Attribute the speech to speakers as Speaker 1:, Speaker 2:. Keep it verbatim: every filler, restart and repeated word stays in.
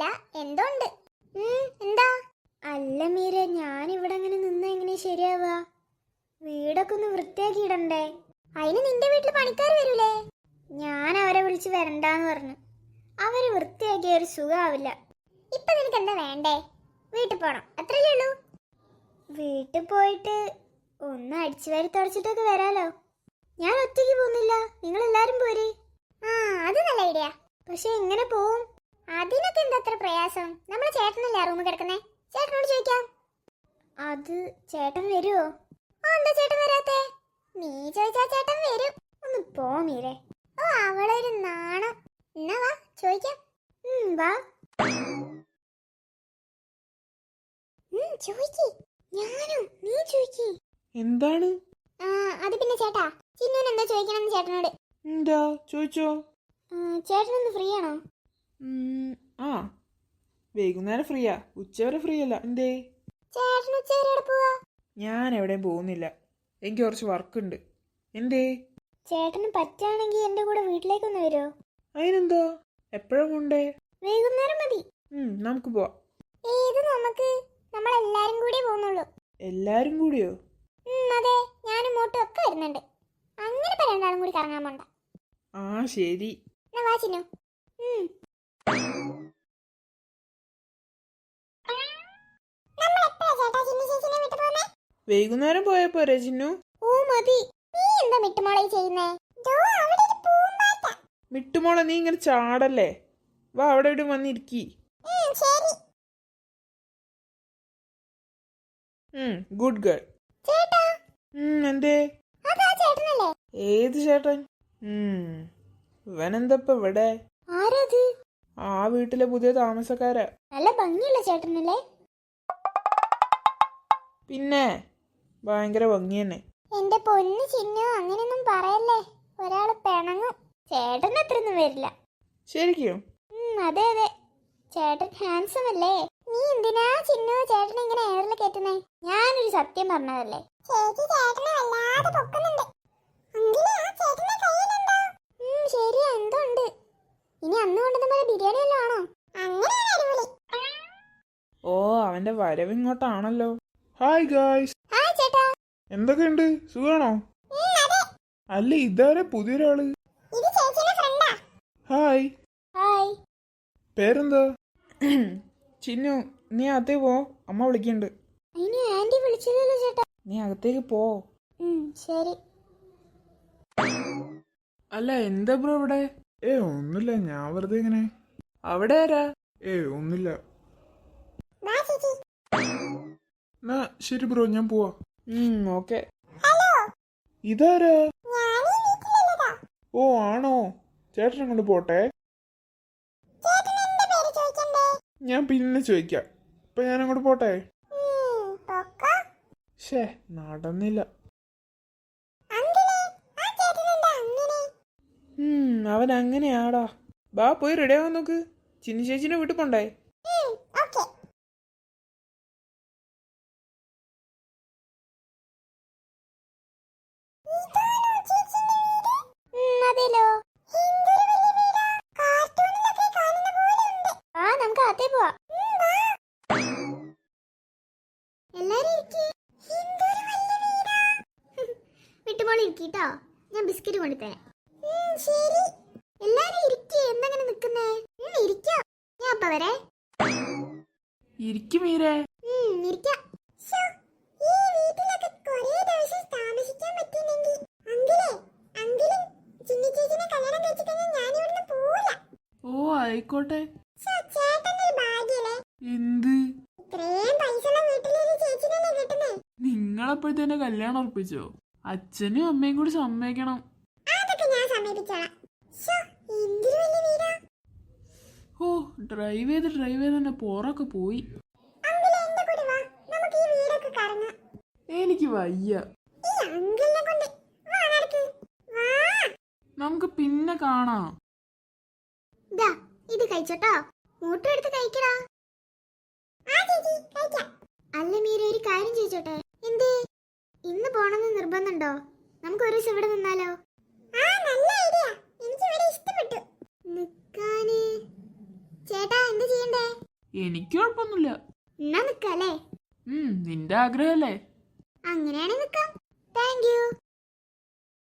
Speaker 1: ഒന്നുമില്ല, എന്തോ ഉണ്ട്. എന്താ? അല്ല മീര, ഞാനിവിടെ അങ്ങനെ നിന്നാ എങ്ങനെ ശരിയാവാ? വീടൊക്കെ ഒന്ന് വൃത്തിയാക്കി ഇടണ്ടേ? അതിന് നിന്റെ വീട്ടിൽ പണിക്കാർ വരൂലേ? ഞാൻ അവരെ വിളിച്ച് വരണ്ടാന്ന് പറഞ്ഞു. അവര് വൃത്തിയാക്കിയ ഒരു സുഖാവില്ല. ഇപ്പൊ നിനക്ക് എന്താ വേണ്ടേ? വീട്ടിൽ പോണം, അത്രയല്ലേ ഉള്ളൂ. വീട്ടിൽ പോയിട്ട് ഒന്ന് അടിച്ചു വാരി തുടച്ചിട്ടൊക്കെ വരാലോ. ഞാൻ ഒറ്റയ്ക്ക് പോകുന്നില്ല, നിങ്ങൾ എല്ലാരും പോരെ. ആ, അത് നല്ല ഐഡിയ. പക്ഷെ എങ്ങനെ പോവും? അതിനൊക്കെ എന്താ അത്ര പ്രയാസം? നമ്മളെ ചേട്ടനല്ലേ ആ റൂമിൽ കിടക്കുന്നേ, ചേട്ടനോട് ചോദിക്കാം. അത് ചേട്ടൻ വരുമോ? ആ, എന്താ ചേട്ടൻ വരാത്തെ? നീ ചോദിച്ചാ ചേട്ടൻ വരും. ഒന്ന് പോ മീരെ. ഓ, അവളൊരു നാണം. എന്നാ വാ ചോദിക്കാം. വാ ചോദിക്ക്. ഞാനോ? നീ ചോദിക്ക്.
Speaker 2: എന്താണ്?
Speaker 1: ആ, അത് പിന്നെ ചേട്ടാ, ചിന്നുവിന് എന്താ ചോദിക്കണം ചേട്ടനോട്.
Speaker 2: എന്താ ചോദിച്ചോ?
Speaker 1: ചേട്ടനൊന്ന് ഫ്രീ ആണോ?
Speaker 2: ആ, വൈകുന്നേരം ഫ്രീയാ, ഉച്ചവരെ ഫ്രീ അല്ല. എന്തേ?
Speaker 1: ചേട്ടൻ ഉച്ചവരെ എവിടെ പോവാ?
Speaker 2: ഞാൻ എവിടെയും പോകുന്നില്ല, എനിക്ക് കുറച്ച് വർക്ക് ഉണ്ട്. എന്തേ?
Speaker 1: ചേട്ടന് പറ്റാണെങ്കിൽ എന്റെ കൂടെ വീട്ടിലേക്കൊന്ന് വരുമോ?
Speaker 2: അതിനെന്താ, എപ്പോഴാ പോണ്ടേ?
Speaker 1: വൈകുന്നേരം മതി.
Speaker 2: നമുക്ക് പോവാം.
Speaker 1: ഏത് നമുക്ക്? നമ്മളെല്ലാരും കൂടി പോകുന്നുള്ളൂ.
Speaker 2: എല്ലാരും കൂടിയോ?
Speaker 1: അതെ, ഞാനും മോട്ടും ഒക്കെ വരുന്നുണ്ട്. അങ്ങനെ രണ്ടാളും കൂടി കറങ്ങാൻ പോണ്ട.
Speaker 2: ആ, ശരി.
Speaker 1: വാ ചിന്നു.
Speaker 2: വൈകുന്നേരം പോയാ പോരെ ചിന്നു?
Speaker 1: ഓ മതി. നീ എന്താ മിട്ടുമോളെ ചെയ്യുന്നേ?
Speaker 2: മിട്ടുമോളെ, നീ ഇങ്ങനെ ചാടല്ലേ. വാ, അവിടെ ഇവിടെ വന്നിരിക്കി. Good girl. എന്തേ? ഏത് ചേട്ടൻ? ഇവനെന്തപ്പ ഇവിടെ?
Speaker 1: ആരത്?
Speaker 2: ആ വീട്ടിലെ പുതിയ താമസക്കാരാ.
Speaker 1: നല്ല ഭംഗിയുള്ള ചേട്ടനല്ലേ?
Speaker 2: പിന്നെ ഭയങ്കര ഭംഗി തന്നെ.
Speaker 1: എന്റെ പൊന്നു ചിന്നു, അങ്ങനെയൊന്നും പറയല്ലേ, ഒരാള് പിണങ്ങും. ചേട്ടൻ അത്രയൊന്നും വരില്ല.
Speaker 2: ശരിക്കും?
Speaker 1: അതെ അതെ, ചേട്ടൻ ഹാൻസം അല്ലേ. നീ എന്തിനാ ചിന്നു ചേട്ടനെ ഇങ്ങനെ എയറിൽ കയറ്റുന്നേ? ഞാനൊരു സത്യം പറഞ്ഞതല്ലേ. ശരിയാ, എന്തോ ഉണ്ട്. ഇനി അന്ന് കൊണ്ടുവന്ന പോലെ ബിരിയാണി വല്ലതും ആണോ?
Speaker 2: ഓ, അവന്റെ വരവിങ്ങോട്ടാണല്ലോ. Hi guys.
Speaker 1: ഹായ് ചേട്ടാ.
Speaker 2: എന്തൊക്കെയുണ്ട്, സുഖാണോ? അല്ല, ഇതാരെ പുതിയൊരാള്? ഹായ്.
Speaker 1: ഹായ്.
Speaker 2: പേരെന്താ? ചിന്നു, നീ അകത്തേക്ക് പോ, അമ്മ വിളിക്കണ്ട്.
Speaker 1: ഇനി ആന്റി വിളിച്ചില്ലല്ലോ ചേട്ടാ.
Speaker 2: നീ അകത്തേക്ക് പോ.
Speaker 1: ശരി.
Speaker 2: അല്ല, എന്താ ബ്രോ ഇവിടെ? ഏ ഒന്നുമില്ല, ഞാൻ വെറുതെ ഇങ്ങനെ. അവിടെ ആരാ? ഏ ഒന്നുമില്ല. ശരി ബ്രോ, ഞാൻ പോവാ. ഓക്കെ. ഇതാരാ? ഓ ആണോ, ചേട്ടൻ അങ്ങോട്ട് പോട്ടെ. ഞാൻ പിന്നെ ചോദിക്കാം. ഇപ്പൊ ഞാൻ അങ്ങോട്ട് പോട്ടെ. ഷേ, നടന്നില്ല. അവൻ അങ്ങനെയാടാ. ബാ, പോയി റെഡി ആവാൻ നോക്ക്. ചിന്നു ചേച്ചിനെ വീട്ടിൽ പോണ്ടേ?
Speaker 1: വിട്ടുമോളിരിക്കട്ടോ, ഞാൻ ബിസ്ക്കറ്റ് കൊണ്ടുതരാം. എല്ലാരും ഇരിക്കേ, എന്തെങ്ങനെ നിക്കുന്നേ? ഇരിക്കാം, ഞാൻ അപ്പ വരെ.
Speaker 2: ഇരിക്കും മീരേ.
Speaker 1: ഇരിക്കാം.
Speaker 2: ഓ ആയിക്കോട്ടെ. എന്ത്? നിങ്ങളപ്പോഴത്തേനെ കല്യാണം ഉറപ്പിച്ചോ? അച്ഛനും അമ്മയും കൂടി സമ്മതിക്കണം. ഓ, ഡ്രൈവ് ചെയ്ത് ഡ്രൈവ് ചെയ്ത് തന്നെ പോറൊക്കെ പോയി. എനിക്ക് വയ്യ. നമുക്ക് പിന്നെ കാണാം.
Speaker 1: ഇത് കഴിച്ചോട്ടോ, മൂട്ടം എടുത്ത് കഴിക്കടാ. അല്ല മീര, ഒരു കാര്യം ചോദിച്ചോട്ടെ? എന്തേ? ഇന്ന് പോണെന്ന് നിർബന്ധമുണ്ടോ? നമുക്ക് ഒരു ദിവസം ഇവിടെ നിന്നാലോ? നിക്കാന് ചേട്ടാ എന്ത് ചെയ്യണ്ടേ?
Speaker 2: എനിക്ക് കുഴപ്പമൊന്നുമില്ല.
Speaker 1: എന്നാ നിക്കല്ലേ?
Speaker 2: ഉം നിന്റെ ആഗ്രഹല്ലേ?
Speaker 1: അങ്ങനെയാണെങ്കിൽ നിക്കാം. Thank U.